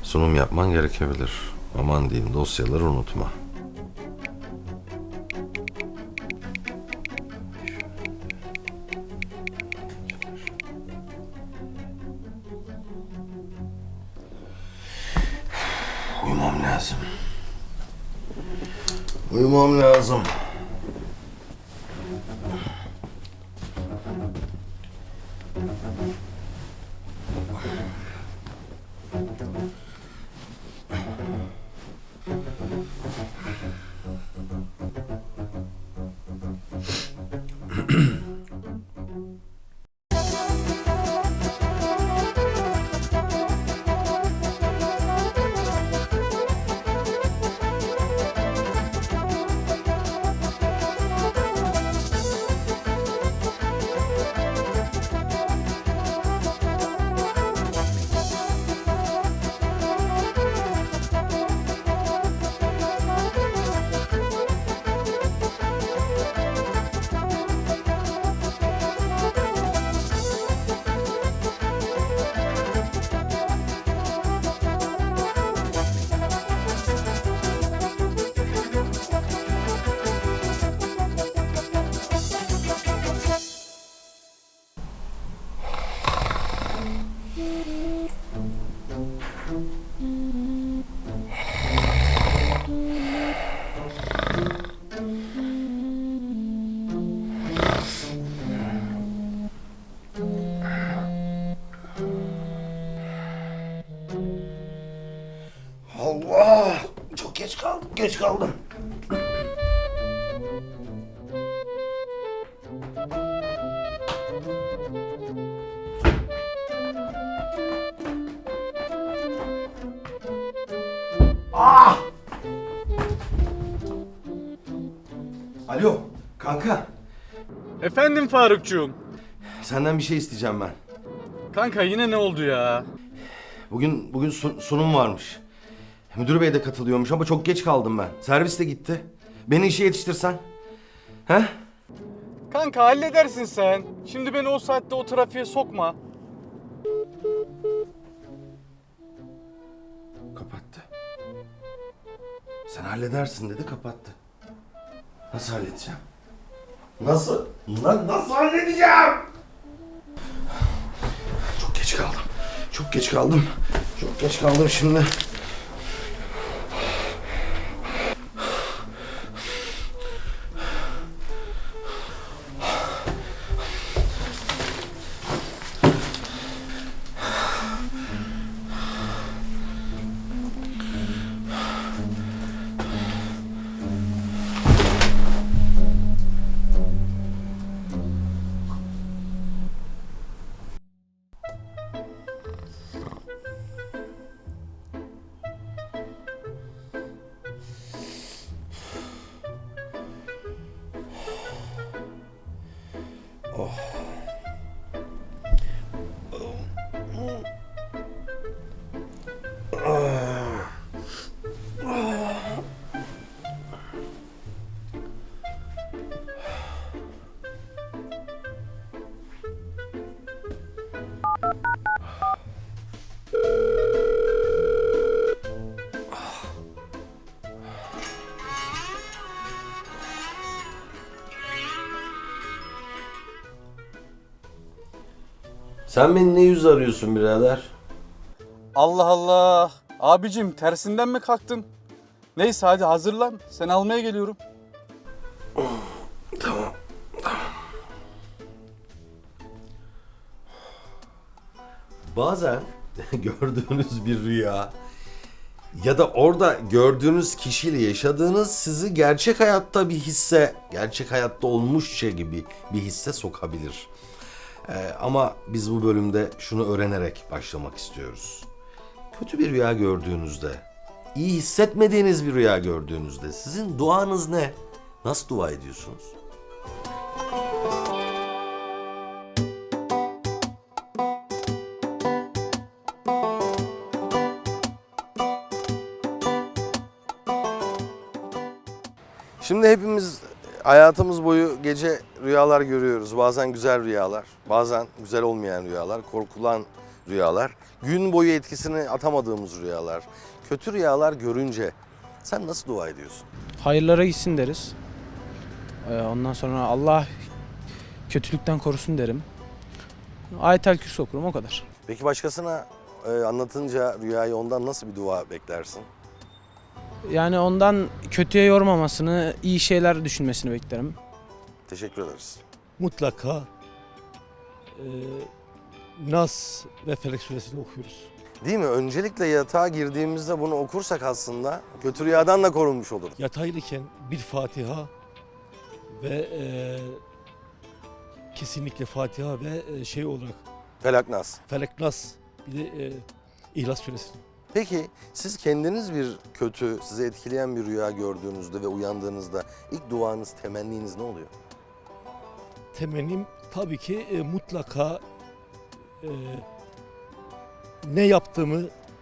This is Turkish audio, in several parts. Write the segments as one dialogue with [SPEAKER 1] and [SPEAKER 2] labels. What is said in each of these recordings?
[SPEAKER 1] Sunum yapman gerekebilir. Aman diyeyim, dosyaları unutma. Uyumam lazım. Uyumam lazım. Allah! Çok geç kaldım. Ah! Alo, kanka.
[SPEAKER 2] Efendim Farukcuğum.
[SPEAKER 1] Senden bir şey isteyeceğim ben.
[SPEAKER 2] Kanka yine ne oldu ya?
[SPEAKER 1] Bugün sunum varmış. Müdür bey de katılıyormuş ama çok geç kaldım ben. Servis de gitti. Beni işe yetiştirsen. He?
[SPEAKER 2] Kanka halledersin sen. Şimdi beni o saatte o trafiğe sokma.
[SPEAKER 1] Kapattı. Sen halledersin dedi, kapattı. Nasıl halledeceğim? Nasıl halledeceğim? Çok geç kaldım şimdi. Sen beni ne yüz arıyorsun birader?
[SPEAKER 2] Allah Allah. Abicim tersinden mi kalktın? Neyse hadi hazırlan. Seni almaya geliyorum.
[SPEAKER 1] Tamam. Bazen gördüğünüz bir rüya ya da orada gördüğünüz kişiyle yaşadığınız sizi gerçek hayatta bir hisse, gerçek hayatta olmuşça gibi bir hisse sokabilir. Ama biz bu bölümde şunu öğrenerek başlamak istiyoruz. Kötü bir rüya gördüğünüzde, iyi hissetmediğiniz bir rüya gördüğünüzde sizin duanız ne? Nasıl dua ediyorsunuz? Şimdi hepimiz hayatımız boyu gece rüyalar görüyoruz. Bazen güzel rüyalar, bazen güzel olmayan rüyalar, korkulan, rüyalar, gün boyu etkisini atamadığımız rüyalar, kötü rüyalar görünce sen nasıl dua ediyorsun?
[SPEAKER 3] Hayırlara gitsin deriz. Ondan sonra Allah kötülükten korusun derim. Ayetel Kürsi okurum, o kadar.
[SPEAKER 1] Peki başkasına anlatınca rüyayı ondan nasıl bir dua beklersin?
[SPEAKER 3] Yani ondan kötüye yormamasını, iyi şeyler düşünmesini beklerim.
[SPEAKER 1] Teşekkür ederiz.
[SPEAKER 4] Mutlaka Nas ve Felek suresini okuyoruz.
[SPEAKER 1] Değil mi? Öncelikle yatağa girdiğimizde bunu okursak aslında kötü rüyadan da korunmuş oluruz.
[SPEAKER 4] Yatağıyken bir Fatiha ve kesinlikle Fatiha ve şey olarak
[SPEAKER 1] Felak Nas.
[SPEAKER 4] Felek Nas bir de İhlas suresini.
[SPEAKER 1] Peki siz kendiniz bir kötü, sizi etkileyen bir rüya gördüğünüzde ve uyandığınızda ilk duanız, temenniniz ne oluyor?
[SPEAKER 4] Temennim tabii ki mutlaka ne yaptığımı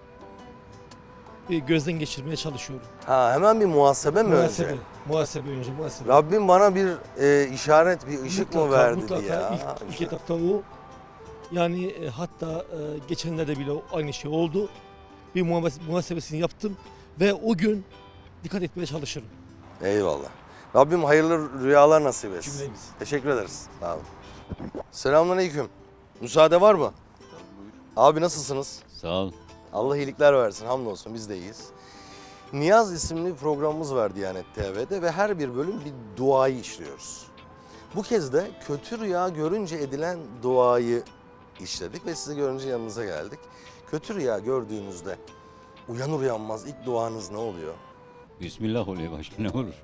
[SPEAKER 4] gözden geçirmeye çalışıyorum.
[SPEAKER 1] Ha, hemen bir muhasebe mi
[SPEAKER 4] Muhasebe,
[SPEAKER 1] önce?
[SPEAKER 4] muhasebe.
[SPEAKER 1] Rabbim bana bir işaret, bir ışık mı verdi
[SPEAKER 4] mutlaka
[SPEAKER 1] diye. Ha,
[SPEAKER 4] ilk
[SPEAKER 1] işte.
[SPEAKER 4] etapta o. Yani hatta geçenlerde bile aynı şey oldu. Bir muhasebesini yaptım ve o gün dikkat etmeye çalışırım.
[SPEAKER 1] Eyvallah. Rabbim hayırlı rüyalar nasip etsin.
[SPEAKER 4] Cümlemiz.
[SPEAKER 1] Teşekkür ederiz. Sağ olun. Selamünaleyküm. Müsaade var mı? Abi nasılsınız?
[SPEAKER 5] Sağ ol.
[SPEAKER 1] Allah iyilikler versin. Hamdolsun biz de iyiyiz. Niyaz isimli bir programımız var Diyanet TV'de ve her bir bölüm bir duayı işliyoruz. Bu kez de kötü rüya görünce edilen duayı işledik ve sizi görünce yanınıza geldik. Kötü rüya gördüğünüzde uyanır uyanmaz ilk duanız ne oluyor?
[SPEAKER 5] Bismillah oluyor, başka ne olur?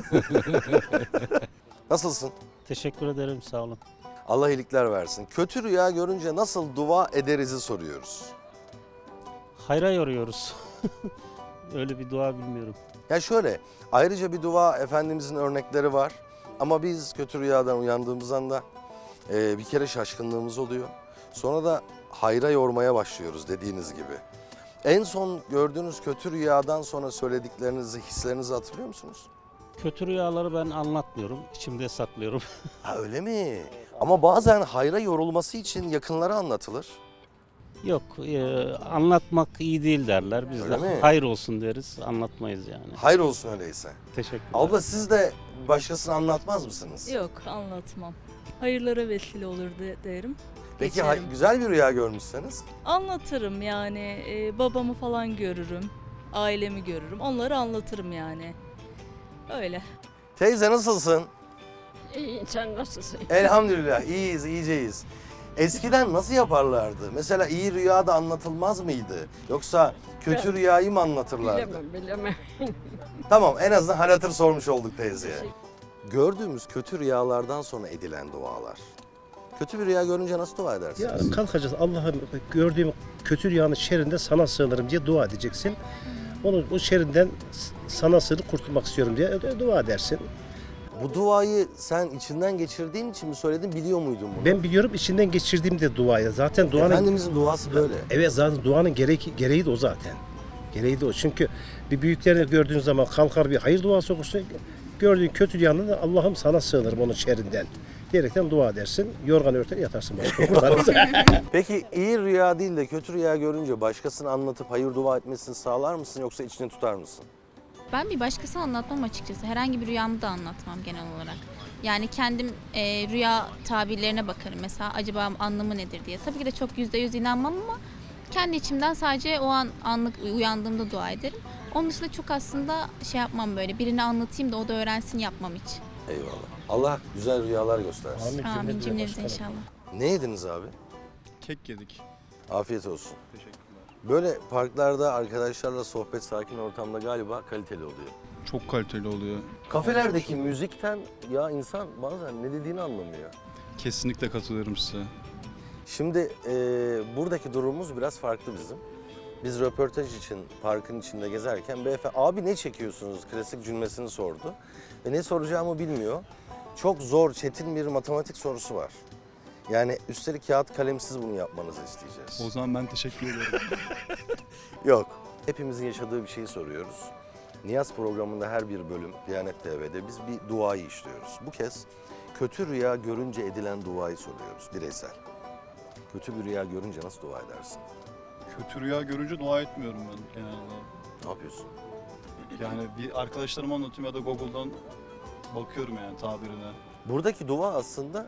[SPEAKER 1] Nasılsın?
[SPEAKER 6] Teşekkür ederim, sağ olun.
[SPEAKER 1] Allah iyilikler versin. Kötü rüya görünce nasıl dua ederiz'i soruyoruz.
[SPEAKER 6] Hayra yoruyoruz. Öyle bir dua bilmiyorum.
[SPEAKER 1] Ya şöyle, ayrıca bir dua Efendimizin örnekleri var. Ama biz kötü rüyadan uyandığımız anda bir kere şaşkınlığımız oluyor. Sonra da hayra yormaya başlıyoruz dediğiniz gibi. En son gördüğünüz kötü rüyadan sonra söylediklerinizi, hislerinizi hatırlıyor musunuz?
[SPEAKER 6] Kötü rüyaları ben anlatmıyorum, içimde saklıyorum.
[SPEAKER 1] Ha öyle mi? Ama bazen hayra yorulması için yakınlara anlatılır.
[SPEAKER 6] Yok, anlatmak iyi değil derler. Biz
[SPEAKER 1] Öyle
[SPEAKER 6] de
[SPEAKER 1] mi?
[SPEAKER 6] hayır olsun deriz, anlatmayız yani.
[SPEAKER 1] Hayır olsun öyleyse.
[SPEAKER 6] Teşekkürler.
[SPEAKER 1] Abla siz de başkasına anlatmaz mısınız?
[SPEAKER 7] Yok, anlatmam. Hayırlara vesile olur derim.
[SPEAKER 1] Peki
[SPEAKER 7] Geçerim.
[SPEAKER 1] güzel bir rüya görmüşseniz?
[SPEAKER 7] Anlatırım yani. Babamı falan görürüm. Ailemi görürüm. Onları anlatırım yani. Öyle.
[SPEAKER 1] Teyze nasılsın?
[SPEAKER 8] İyi, sen nasılsın?
[SPEAKER 1] Elhamdülillah iyiyiz, iyiceyiz. Eskiden nasıl yaparlardı? Mesela iyi rüya da anlatılmaz mıydı? Yoksa kötü rüyayı mı anlatırlardı?
[SPEAKER 8] Bilemem.
[SPEAKER 1] Tamam, en azından hal hatır sormuş olduk teyzeye. Gördüğümüz kötü rüyalardan sonra edilen dualar. Kötü bir rüya görünce nasıl dua edersiniz?
[SPEAKER 9] Ya kalkacağız, Allah'ım gördüğüm kötü rüyanın şerrinden sana sığınırım diye dua edeceksin. Onu o şerrinden sana sığınıp kurtulmak istiyorum diye dua edersin.
[SPEAKER 1] Bu duayı sen içinden geçirdiğin için mi söyledin, biliyor muydun bunu?
[SPEAKER 9] Ben biliyorum, içinden geçirdiğimde duayı. Zaten duanın
[SPEAKER 1] Efendimizin duası böyle.
[SPEAKER 9] evet, zaten duanın gereği de o zaten. Gereği de o. Çünkü bir büyüklerini gördüğün zaman kalkar bir hayır duası okursun. Gördüğün kötü rüyanın da Allah'ım sana sığınırım onun şerrinden diyerekten dua edersin. Yorgan örter yatarsın.
[SPEAKER 1] Peki iyi rüya değil de kötü rüya görünce başkasına anlatıp hayır dua etmesini sağlar mısın yoksa içine tutar mısın?
[SPEAKER 10] Ben bir başkasına anlatmam açıkçası. Herhangi bir rüyamı da anlatmam genel olarak. Yani kendim rüya tabirlerine bakarım. Mesela acaba anlamı nedir diye. Tabii ki de çok %100 inanmam ama kendi içimden sadece o an anlık uyandığımda dua ederim. Onun dışında çok aslında şey yapmam, böyle birine anlatayım da o da öğrensin yapmam hiç.
[SPEAKER 1] Eyvallah. Allah güzel rüyalar göstersin.
[SPEAKER 10] Amin cümlemize inşallah.
[SPEAKER 1] Ne yediniz abi?
[SPEAKER 2] Kek yedik.
[SPEAKER 1] Afiyet olsun.
[SPEAKER 2] Teşekkürler.
[SPEAKER 1] Böyle parklarda arkadaşlarla sohbet, sakin ortamda galiba kaliteli oluyor.
[SPEAKER 2] Çok kaliteli oluyor.
[SPEAKER 1] Kafelerdeki müzikten ya insan bazen ne dediğini anlamıyor.
[SPEAKER 2] Kesinlikle katılıyorum size.
[SPEAKER 1] Şimdi buradaki durumumuz biraz farklı bizim. Biz röportaj için parkın içinde gezerken beyefendi abi ne çekiyorsunuz klasik cümlesini sordu. Ve ne soracağımı bilmiyor. Çok zor, çetin bir matematik sorusu var. Yani üstelik kağıt kalemsiz bunu yapmanızı isteyeceğiz.
[SPEAKER 2] O zaman ben teşekkür ederim.
[SPEAKER 1] Yok. Hepimizin yaşadığı bir şeyi soruyoruz. Niyaz programında her bir bölüm Diyanet TV'de biz bir duayı işliyoruz. Bu kez kötü rüya görünce edilen duayı soruyoruz bireysel. Kötü bir rüya görünce nasıl dua edersin?
[SPEAKER 2] Kötü rüya görünce dua etmiyorum ben genelde.
[SPEAKER 1] Ne yapıyorsun?
[SPEAKER 2] Yani bir arkadaşlarıma anlatıyorum ya da Google'dan bakıyorum yani tabirine.
[SPEAKER 1] Buradaki dua aslında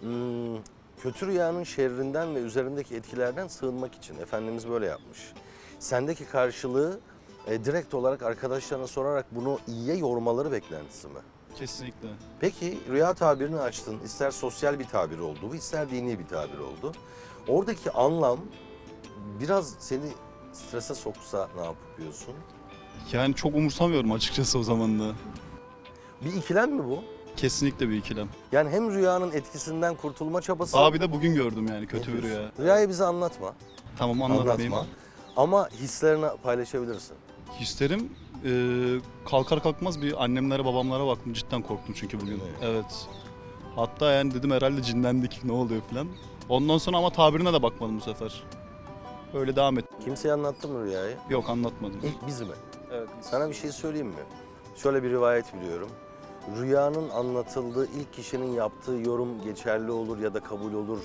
[SPEAKER 1] kötü rüyanın şerrinden ve üzerindeki etkilerden sığınmak için. Efendimiz böyle yapmış. Sendeki karşılığı direkt olarak arkadaşlarına sorarak bunu iyiye yormaları beklentisi mi?
[SPEAKER 2] Kesinlikle.
[SPEAKER 1] Peki rüya tabirini açtın. İster sosyal bir tabir oldu bu, ister dini bir tabir oldu. Oradaki anlam biraz seni strese soksa ne yapıyorsun?
[SPEAKER 2] Yani çok umursamıyorum açıkçası o zaman da.
[SPEAKER 1] Bir ikilem mi bu?
[SPEAKER 2] Kesinlikle bir ikilem.
[SPEAKER 1] Yani hem rüyanın etkisinden kurtulma çabası...
[SPEAKER 2] Abi de bugün gördüm yani kötü bir rüya.
[SPEAKER 1] Rüyayı bize anlatma.
[SPEAKER 2] Tamam anlatmayayım.
[SPEAKER 1] Anlatma. Ama hislerini paylaşabilirsin.
[SPEAKER 2] Hislerim kalkar kalkmaz bir annemlere babamlara baktım. Cidden korktum çünkü bugün. Evet. Hatta yani dedim herhalde cinlendik ne oluyor falan. Ondan sonra ama tabirine de bakmadım bu sefer. Öyle devam et.
[SPEAKER 1] Kimseye anlattın mı rüyayı?
[SPEAKER 2] Yok anlatmadım.
[SPEAKER 1] İlk biz mi?
[SPEAKER 2] Evet.
[SPEAKER 1] Sana bir şey söyleyeyim mi? Şöyle bir rivayet biliyorum. Rüyanın anlatıldığı ilk kişinin yaptığı yorum geçerli olur ya da kabul olur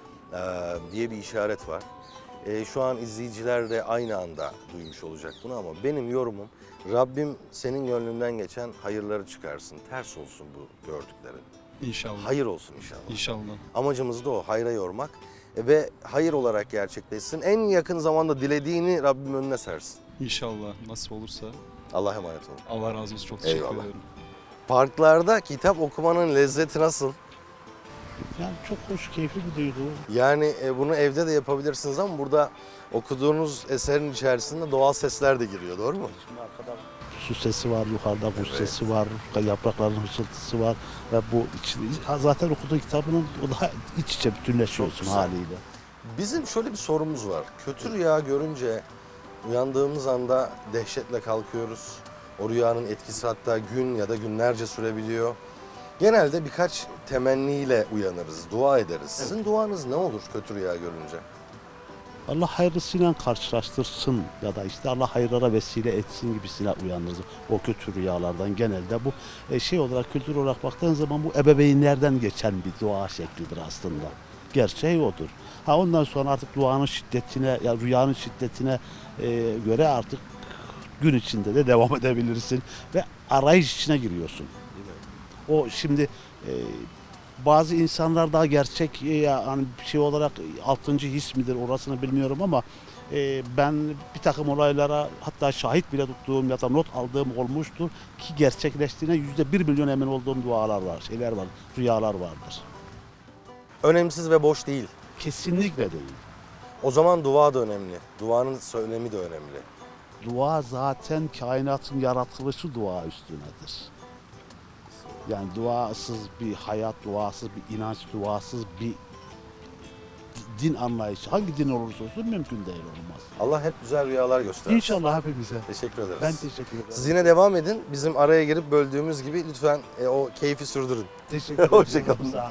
[SPEAKER 1] diye bir işaret var. Şu an izleyiciler de aynı anda duymuş olacak bunu ama benim yorumum Rabbim senin gönlünden geçen hayırları çıkarsın. Ters olsun bu gördüklerin.
[SPEAKER 2] İnşallah.
[SPEAKER 1] Hayır olsun inşallah.
[SPEAKER 2] İnşallah.
[SPEAKER 1] Amacımız da o, hayra yormak ve hayır olarak gerçekleşsin. En yakın zamanda dilediğini Rabbim önüne sersin.
[SPEAKER 2] İnşallah nasip olursa.
[SPEAKER 1] Allah'a emanet olun.
[SPEAKER 2] Allah razı olsun. Çok teşekkür
[SPEAKER 1] Eyvallah.
[SPEAKER 2] ederim.
[SPEAKER 1] Parklarda kitap okumanın lezzeti nasıl?
[SPEAKER 6] Yani çok hoş, keyifli bir duygu.
[SPEAKER 1] Yani bunu evde de yapabilirsiniz ama burada okuduğunuz eserin içerisinde doğal sesler de giriyor, doğru mu?
[SPEAKER 6] Şimdi arkada su sesi var, yukarıda kuş sesi var, yaprakların hışıltısı var ve bu zaten okuduğun kitabının o da iç içe bütünleşiyorsun
[SPEAKER 1] Çok güzel.
[SPEAKER 6] haliyle.
[SPEAKER 1] Bizim şöyle bir sorumuz var. Kötü rüya görünce uyandığımız anda dehşetle kalkıyoruz. O rüyanın etkisi hatta gün ya da günlerce sürebiliyor. Genelde birkaç temenniyle uyanırız, dua ederiz. Sizin duanız ne olur kötü rüya görünce?
[SPEAKER 6] Allah hayırlısıyla karşılaştırsın ya da işte Allah hayırlara vesile etsin gibisine uyanırız. O kötü rüyalardan genelde bu şey olarak, kültür olarak baktığın zaman bu ebeveynlerden geçen bir dua şeklidir aslında. Gerçeği odur. Ha ondan sonra artık duanın şiddetine, ya rüyanın şiddetine göre artık gün içinde de devam edebilirsin ve arayış içine giriyorsun. O şimdi bazı insanlar daha gerçek yani bir şey olarak 6. his midir orasını bilmiyorum ama ben bir takım olaylara hatta şahit bile tuttuğum ya da not aldığım olmuştur ki gerçekleştiğine %1 milyon emin olduğum dualar var, şeyler var, rüyalar vardır.
[SPEAKER 1] Önemsiz ve boş değil.
[SPEAKER 6] Kesinlikle değil.
[SPEAKER 1] O zaman dua da önemli. Duanın söylemi de önemli.
[SPEAKER 6] Dua zaten kainatın yaratılışı dua üstünedir. Yani duasız bir hayat, duasız bir inanç, duasız bir din anlayışı, hangi din olursa olsun mümkün değil, olmaz.
[SPEAKER 1] Allah hep güzel rüyalar göstersin.
[SPEAKER 6] İnşallah hepimize.
[SPEAKER 1] Teşekkür ederiz.
[SPEAKER 6] Ben teşekkür ederim.
[SPEAKER 1] Siz yine devam edin. Bizim araya girip böldüğümüz gibi lütfen o keyfi sürdürün.
[SPEAKER 6] Teşekkür ederim.
[SPEAKER 1] Hoşça kalın.
[SPEAKER 6] Sağ olun.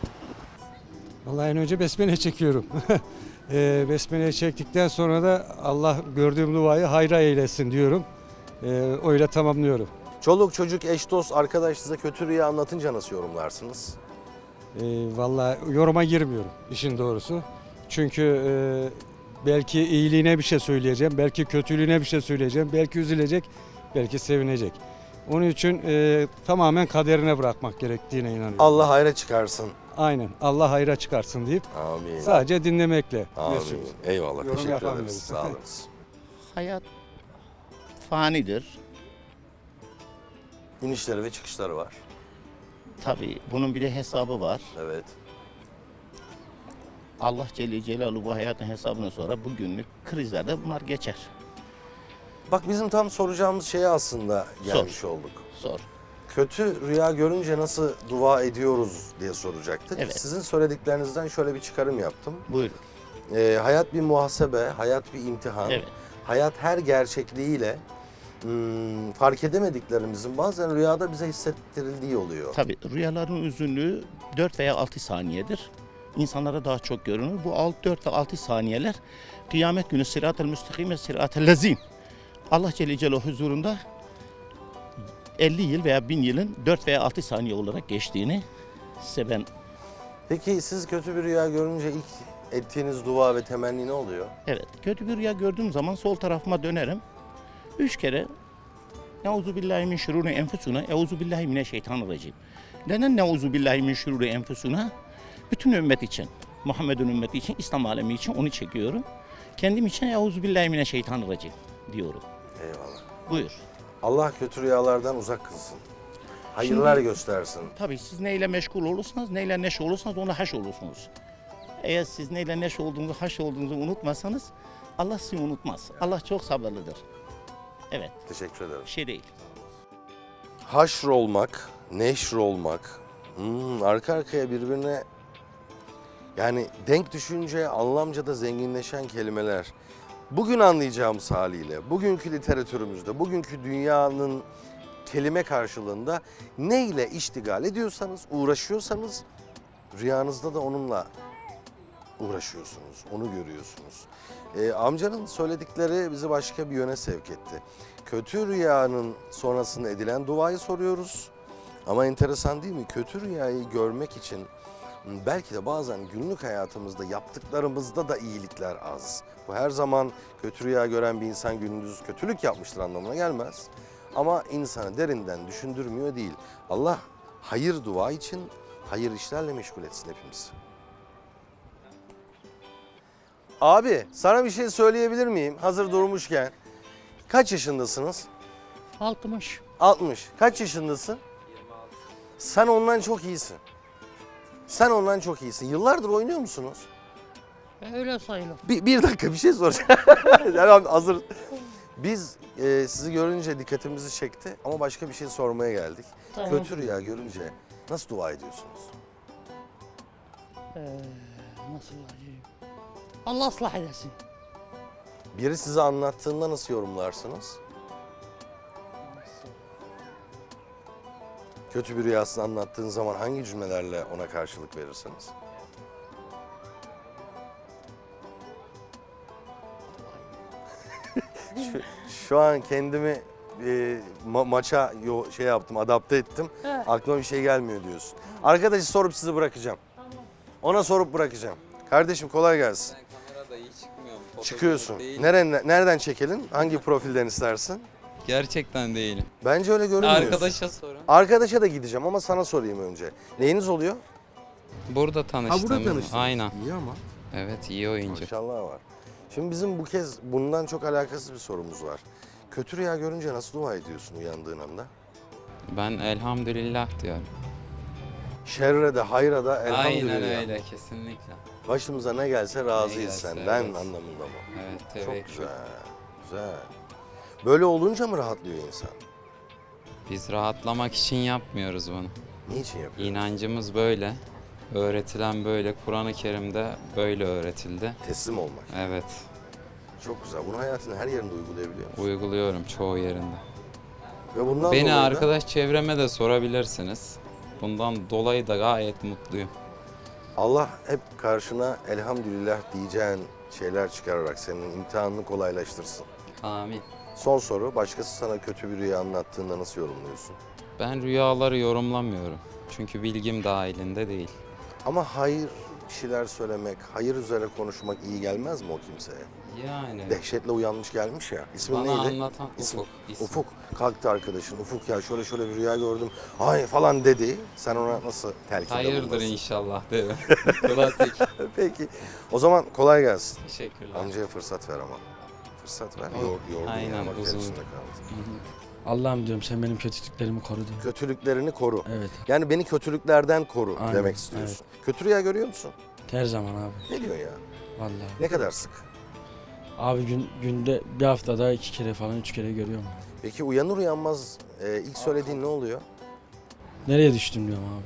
[SPEAKER 11] Vallahi en önce besmele çekiyorum. Besmele çektikten sonra da Allah gördüğüm duayı hayra eylesin diyorum. Öyle tamamlıyorum.
[SPEAKER 1] Çoluk, çocuk, eş, dost, arkadaş size kötü rüya anlatınca nasıl yorumlarsınız?
[SPEAKER 11] Vallahi yoruma girmiyorum işin doğrusu. Çünkü belki iyiliğine bir şey söyleyeceğim, belki kötülüğüne bir şey söyleyeceğim, belki üzülecek, belki sevinecek. Onun için tamamen kaderine bırakmak gerektiğine inanıyorum.
[SPEAKER 1] Allah hayra çıkarsın.
[SPEAKER 11] Aynen. Allah hayra çıkarsın deyip
[SPEAKER 1] Amin.
[SPEAKER 11] sadece dinlemekle.
[SPEAKER 1] Amin.
[SPEAKER 11] mesut.
[SPEAKER 1] Eyvallah.
[SPEAKER 11] Yorum
[SPEAKER 1] Teşekkür
[SPEAKER 11] yapamıyoruz.
[SPEAKER 1] ederiz. Sağ olun.
[SPEAKER 5] Hayat fanidir.
[SPEAKER 1] İnişleri ve çıkışları var.
[SPEAKER 5] Tabii bunun bir de hesabı var.
[SPEAKER 1] Evet.
[SPEAKER 5] Allah Celle Celaluhu bu hayatın hesabından sonra bugünlük krizlerde bunlar geçer.
[SPEAKER 1] Bak bizim tam soracağımız şeye aslında gelmiş olduk.
[SPEAKER 5] Sor.
[SPEAKER 1] Kötü rüya görünce nasıl dua ediyoruz diye soracaktık.
[SPEAKER 5] Evet.
[SPEAKER 1] Sizin söylediklerinizden şöyle bir çıkarım yaptım.
[SPEAKER 5] Buyurun.
[SPEAKER 1] Hayat bir muhasebe, hayat bir imtihan.
[SPEAKER 5] Evet.
[SPEAKER 1] Hayat her gerçekliğiyle fark edemediklerimizin bazen rüyada bize hissettirildiği oluyor.
[SPEAKER 5] Tabii rüyaların uzunluğu 4 veya 6 saniyedir. İnsanlara daha çok görünür. Bu 4 ve 6 saniyeler kıyamet günü sırat-ı müstakim ve sırat-ı lezîm. Allah Celle Celaluhu huzurunda 50 yıl veya 1000 yılın 4 veya 6 saniye olarak geçtiğini size ben...
[SPEAKER 1] Peki siz kötü bir rüya görünce ilk ettiğiniz dua ve temenni ne oluyor?
[SPEAKER 5] Evet, kötü bir rüya gördüğüm zaman sol tarafıma dönerim. 3 kere Euzu billahi min şururi enfusuna, Euzu billahi mineşşeytanirracim. Neden Euzu billahi min şururi enfusuna? Bütün ümmet için, Muhammed'in ümmeti için, İslam alemi için onu çekiyorum. Kendim için Euzu billahi mineşşeytanirracim diyorum.
[SPEAKER 1] Eyvallah.
[SPEAKER 5] Buyur.
[SPEAKER 1] Allah kötü rüyalardan uzak kılsın. Hayırlar göstersin.
[SPEAKER 5] Tabii siz neyle meşgul olursanız, neyle neşe olursanız ona haş olursunuz. Eğer siz neyle neşe olduğunuzu, haş olduğunuzu unutmazsanız Allah sizi unutmaz. Allah çok sabırlıdır. Evet,
[SPEAKER 1] Teşekkür ederim.
[SPEAKER 5] bir şey değil.
[SPEAKER 1] Haşr olmak, neşr olmak, arka arkaya birbirine yani denk düşünce anlamca da zenginleşen kelimeler. Bugün anlayacağımız haliyle, bugünkü literatürümüzde, bugünkü dünyanın kelime karşılığında ne ile iştigal ediyorsanız, uğraşıyorsanız rüyanızda da onunla uğraşıyorsunuz, onu görüyorsunuz. Amcanın söyledikleri bizi başka bir yöne sevk etti. Kötü rüyanın sonrasında edilen duayı soruyoruz. Ama enteresan değil mi? Kötü rüyayı görmek için belki de bazen günlük hayatımızda yaptıklarımızda da iyilikler az. Bu her zaman kötü rüya gören bir insan gündüz kötülük yapmıştır anlamına gelmez. Ama insanı derinden düşündürmüyor değil. Allah hayır dua için hayır işlerle meşgul etsin hepimizi. Abi sana bir şey söyleyebilir miyim hazır durmuşken? Kaç yaşındasınız?
[SPEAKER 5] 60.
[SPEAKER 1] 60. Kaç yaşındasın? 26. Sen ondan çok iyisin. Sen ondan çok iyisin. Yıllardır oynuyor musunuz?
[SPEAKER 5] Öyle sayılır.
[SPEAKER 1] Bir dakika bir şey soracağım. Yani hazır. Biz sizi görünce dikkatimizi çekti ama başka bir şey sormaya geldik.
[SPEAKER 5] Tamam.
[SPEAKER 1] Kötü rüya görünce nasıl dua ediyorsunuz?
[SPEAKER 5] Nasıl diyeyim? Allah ıslah edesin.
[SPEAKER 1] Biri size anlattığında nasıl yorumlarsınız? Kötü bir rüyasını anlattığın zaman hangi cümlelerle ona karşılık verirsiniz? Şu an kendimi maça şey yaptım, adapte ettim.
[SPEAKER 8] Evet.
[SPEAKER 1] Aklıma bir şey gelmiyor diyorsun. Arkadaşı sorup sizi bırakacağım. Ona sorup bırakacağım. Kardeşim kolay gelsin.
[SPEAKER 12] Ben kamerada iyi çıkmıyorum. Fotoğrafı
[SPEAKER 1] Çıkıyorsun.
[SPEAKER 12] değil.
[SPEAKER 1] Nereden çekelim? Hangi profilden istersin?
[SPEAKER 12] Gerçekten değilim.
[SPEAKER 1] Bence öyle görünmüyorsun.
[SPEAKER 12] Arkadaşa sorun.
[SPEAKER 1] Arkadaşa da gideceğim ama sana sorayım önce. Neyiniz oluyor?
[SPEAKER 12] Burada tanıştım.
[SPEAKER 1] tanıştınız.
[SPEAKER 12] Aynen.
[SPEAKER 1] İyi ama.
[SPEAKER 12] Evet, iyi oyuncu.
[SPEAKER 1] Maşallah var. Şimdi bizim bu kez bundan çok alakasız bir sorumuz var. Kötü rüya görünce nasıl dua ediyorsun uyandığın anda?
[SPEAKER 12] Ben elhamdülillah diyorum.
[SPEAKER 1] Şerre de hayra da elhamdülillah.
[SPEAKER 12] Aynen öyle, kesinlikle.
[SPEAKER 1] Başımıza ne gelse razıyız
[SPEAKER 12] Ne gelse,
[SPEAKER 1] senden
[SPEAKER 12] evet.
[SPEAKER 1] anlamında mı?
[SPEAKER 12] Evet,
[SPEAKER 1] Çok
[SPEAKER 12] tevekkül.
[SPEAKER 1] güzel, güzel. Böyle olunca mı rahatlıyor insan?
[SPEAKER 12] Biz rahatlamak için yapmıyoruz bunu.
[SPEAKER 1] Niçin yapıyor?
[SPEAKER 12] İnancımız böyle. Öğretilen böyle. Kur'an-ı Kerim'de böyle öğretildi.
[SPEAKER 1] Teslim olmak.
[SPEAKER 12] Evet,
[SPEAKER 1] Çok güzel. Bunu hayatın her yerinde uygulayabiliyor musun?
[SPEAKER 12] uyguluyorum çoğu yerinde.
[SPEAKER 1] Ve bundan
[SPEAKER 12] Beni
[SPEAKER 1] dolayı da
[SPEAKER 12] arkadaş çevreme de sorabilirsiniz. Bundan dolayı da gayet mutluyum.
[SPEAKER 1] Allah hep karşına elhamdülillah diyeceğin şeyler çıkararak senin imtihanını kolaylaştırsın.
[SPEAKER 12] Amin.
[SPEAKER 1] Son soru. Başkası sana kötü bir rüya anlattığında nasıl yorumluyorsun?
[SPEAKER 12] Ben rüyaları yorumlamıyorum. Çünkü bilgim dahilinde değil.
[SPEAKER 1] Ama hayır bir şeyler söylemek, hayır üzere konuşmak iyi gelmez mi o kimseye?
[SPEAKER 12] Yani
[SPEAKER 1] Dehşetle uyanmış gelmiş ya. İsmin
[SPEAKER 12] bana
[SPEAKER 1] neydi?
[SPEAKER 12] anlatan
[SPEAKER 1] İsmi-
[SPEAKER 12] Ufuk. ismi.
[SPEAKER 1] Ufuk. Kalktı arkadaşın. Ufuk ya şöyle bir rüya gördüm. Ay falan dedi. Sen ona nasıl telkinde
[SPEAKER 12] Hayırdır
[SPEAKER 1] bulunursun?
[SPEAKER 12] inşallah derim. Klasik.
[SPEAKER 1] Peki. O zaman kolay gelsin.
[SPEAKER 12] Teşekkürler.
[SPEAKER 1] Amcaya fırsat ver ama. Fırsat ver.
[SPEAKER 12] O-
[SPEAKER 1] Yordu
[SPEAKER 12] Aynen,
[SPEAKER 1] ya. Bak
[SPEAKER 12] uzun.
[SPEAKER 1] içinde kaldı.
[SPEAKER 3] Allah'ım diyorum sen benim kötülüklerimi koru diyor.
[SPEAKER 1] Kötülüklerini koru.
[SPEAKER 3] Evet.
[SPEAKER 1] Yani beni kötülüklerden koru
[SPEAKER 3] Aynen,
[SPEAKER 1] demek istiyorsun. Kötü rüya görüyor musun?
[SPEAKER 3] Her zaman abi.
[SPEAKER 1] Ne diyor ya?
[SPEAKER 3] Vallahi.
[SPEAKER 1] Ne kadar sık?
[SPEAKER 3] Abi günde bir haftada 2 kere falan 3 kere görüyorum.
[SPEAKER 1] Peki uyanır uyanmaz ilk söylediğin ne oluyor?
[SPEAKER 3] Nereye düştüm diyorum abi.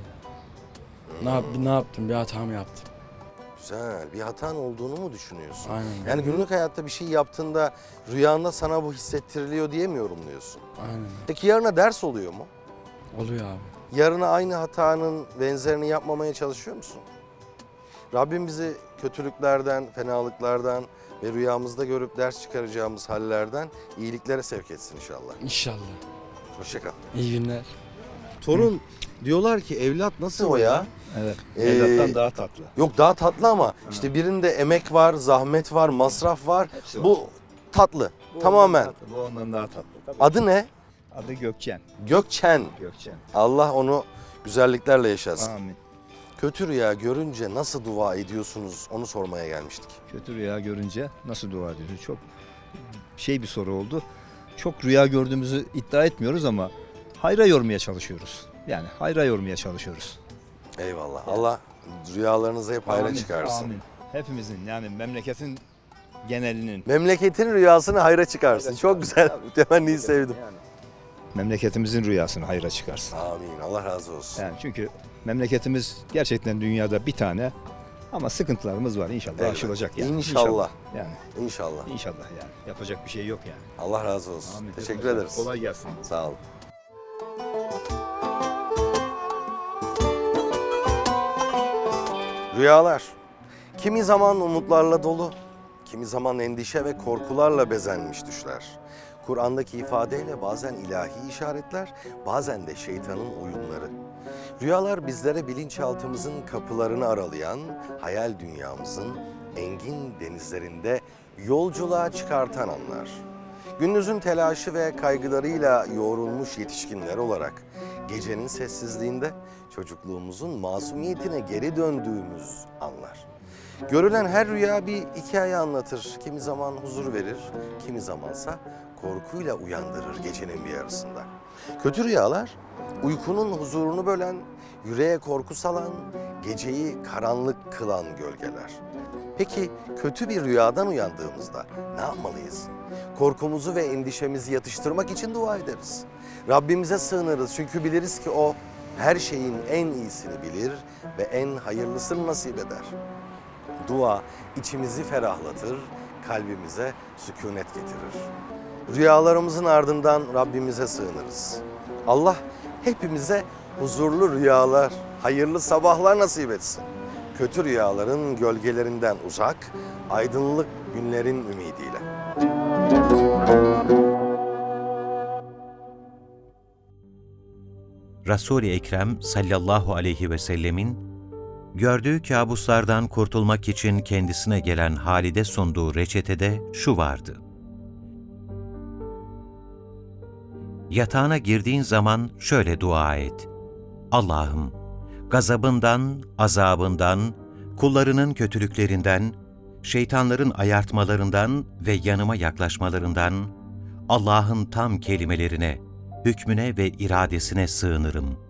[SPEAKER 3] Ne yaptım? Bir hata mı yaptım?
[SPEAKER 1] Güzel. Bir hatan olduğunu mu düşünüyorsun?
[SPEAKER 3] Aynen.
[SPEAKER 1] Yani günlük hayatta bir şey yaptığında rüyanda sana bu hissettiriliyor diye mi yorumluyorsun?
[SPEAKER 3] Aynen.
[SPEAKER 1] Peki yarına ders oluyor mu?
[SPEAKER 3] Oluyor abi.
[SPEAKER 1] Yarına aynı hatanın benzerini yapmamaya çalışıyor musun? Rabbim bizi kötülüklerden, fenalıklardan ve rüyamızda görüp ders çıkaracağımız hallerden iyiliklere sevk etsin inşallah.
[SPEAKER 3] İnşallah.
[SPEAKER 1] Hoşça kal.
[SPEAKER 3] İyi günler.
[SPEAKER 1] Torun diyorlar ki evlat nasıl o ya?
[SPEAKER 13] Evet.
[SPEAKER 1] Ee,
[SPEAKER 13] Evlattan daha tatlı.
[SPEAKER 1] Yok daha tatlı ama işte birinde emek var, zahmet var, masraf var.
[SPEAKER 13] Hepsi var.
[SPEAKER 1] Bu tatlı. Tamamen.
[SPEAKER 13] Bu ondan daha tatlı. Tabii.
[SPEAKER 1] Adı ne?
[SPEAKER 13] Adı Gökçen.
[SPEAKER 1] Gökçen.
[SPEAKER 13] Gökçen.
[SPEAKER 1] Allah onu güzelliklerle yaşasın.
[SPEAKER 13] Amin.
[SPEAKER 1] Kötü rüya görünce nasıl dua ediyorsunuz onu sormaya gelmiştik.
[SPEAKER 13] Kötü rüya görünce nasıl dua ediyorsun? Çok bir soru oldu. Çok rüya gördüğümüzü iddia etmiyoruz ama hayra yormaya çalışıyoruz. Yani hayra yormaya çalışıyoruz.
[SPEAKER 1] Eyvallah. Allah rüyalarınızı hep hayra
[SPEAKER 13] Amin,
[SPEAKER 1] çıkarsın.
[SPEAKER 13] Amin. Hepimizin yani memleketin genelinin.
[SPEAKER 1] Memleketin rüyasını hayra çıkarsın. Çok güzel. Temenniyi sevdim.
[SPEAKER 13] Yani memleketimizin rüyasını hayra çıkarsın.
[SPEAKER 1] Amin. Allah razı olsun.
[SPEAKER 13] Yani çünkü memleketimiz gerçekten dünyada bir tane ama sıkıntılarımız var. İnşallah
[SPEAKER 1] Evet.
[SPEAKER 13] aşılacak yani.
[SPEAKER 1] İnşallah.
[SPEAKER 13] Yani
[SPEAKER 1] İnşallah.
[SPEAKER 13] inşallah yani. Yapacak bir şey yok yani.
[SPEAKER 1] Allah razı olsun.
[SPEAKER 13] Amin.
[SPEAKER 1] Teşekkür ederiz.
[SPEAKER 13] Kolay gelsin.
[SPEAKER 1] Sağ olun. Rüyalar. Kimi zaman umutlarla dolu, kimi zaman endişe ve korkularla bezenmiş düşler. Kur'an'daki ifadeyle bazen ilahi işaretler, bazen de şeytanın oyunları. Rüyalar bizlere bilinçaltımızın kapılarını aralayan, hayal dünyamızın engin denizlerinde yolculuğa çıkartan anlar. Gündüzün telaşı ve kaygılarıyla yoğrulmuş yetişkinler olarak gecenin sessizliğinde çocukluğumuzun masumiyetine geri döndüğümüz anlar. Görülen her rüya bir hikaye anlatır. Kimi zaman huzur verir, kimi zamansa korkuyla uyandırır gecenin bir yarısında. Kötü rüyalar uykunun huzurunu bölen, yüreğe korku salan, geceyi karanlık kılan gölgeler. Peki kötü bir rüyadan uyandığımızda ne yapmalıyız? Korkumuzu ve endişemizi yatıştırmak için dua ederiz. Rabbimize sığınırız çünkü biliriz ki O her şeyin en iyisini bilir ve en hayırlısını nasip eder. Dua içimizi ferahlatır, kalbimize sükunet getirir. Rüyalarımızın ardından Rabbimize sığınırız. Allah hepimize huzurlu rüyalar, hayırlı sabahlar nasip etsin. Kötü rüyaların gölgelerinden uzak, aydınlık günlerin ümidiyle.
[SPEAKER 14] Resul-i Ekrem sallallahu aleyhi ve sellemin gördüğü kabuslardan kurtulmak için kendisine gelen Halid'e sunduğu reçetede şu vardı. Yatağına girdiğin zaman şöyle dua et. Allah'ım, gazabından, azabından, kullarının kötülüklerinden, şeytanların ayartmalarından ve yanıma yaklaşmalarından, Allah'ın tam kelimelerine, hükmüne ve iradesine sığınırım.